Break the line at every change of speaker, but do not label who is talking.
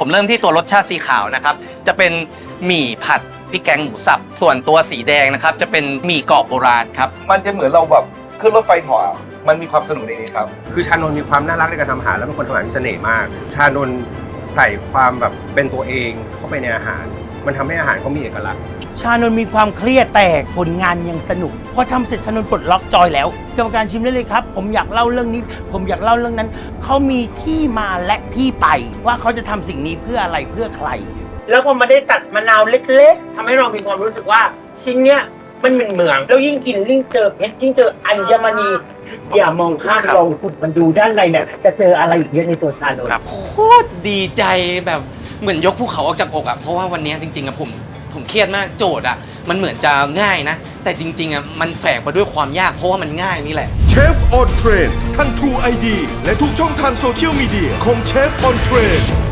ผมเริ่มที่ตัวรสชาติสีขาวนะครับจะเป็นหมี่ผัดพริกแกงหมูสับส่วนตัวสีแดงนะครับจะเป็นหมี่กรอบโบราณครับ
มันจะเหมือนเราแบบขึ้นรถไฟเหาะมันมีความสนุกในนี้ครับ
คือชานนท์มีความน่ารักในการทำอาหารแล้วเป็นคนทำอาหารมีเสน่ห์มากชานนท์ใส่ความแบบเป็นตัวเองเข้าไปในอาหารมันทำให้อาหารเขามีเอกลักษณ์
ชานนท์มีความเครียดแต่ผลงานยังสนุกพอทำเสร็จชานนท์ปลดล็อกจอยแล้วกรรมการชิมได้เลยครับผมอยากเล่าเรื่องนี้ผมอยากเล่าเรื่องนั้นเขามีที่มาและที่ไปว่าเขาจะทำสิ่งนี้เพื่ออะไรเพื่อใคร แล้วพอมาได้ตัดมะนาวเล็กๆทำให้เรามีความรู้สึกว่าชิ้นเนี้ยมันเหมืองแล้วยิ่งกินยิ่งเจอเพชรยิ่งเจออัญมณีอย่ามองข้ามลองขุดมันดูด้านในเนี่ยจะเจออะไรอีกเยอะในตัวชานนท์
โคตรดีใจแบบเหมือนยกภูเขาออกจากอกอ่ะเพราะว่าวันนี้จริงๆอะผมเครียดมากโจทย์อ่ะมันเหมือนจะง่ายนะแต่จริงๆอ่ะมันแฝงไปด้วยความยากเพราะว่ามันง่ายนี่แหละ
เชฟออนเทรนทั้ง True ID และทุกช่องทางโซเชียลมีเดียของเชฟออนเทรน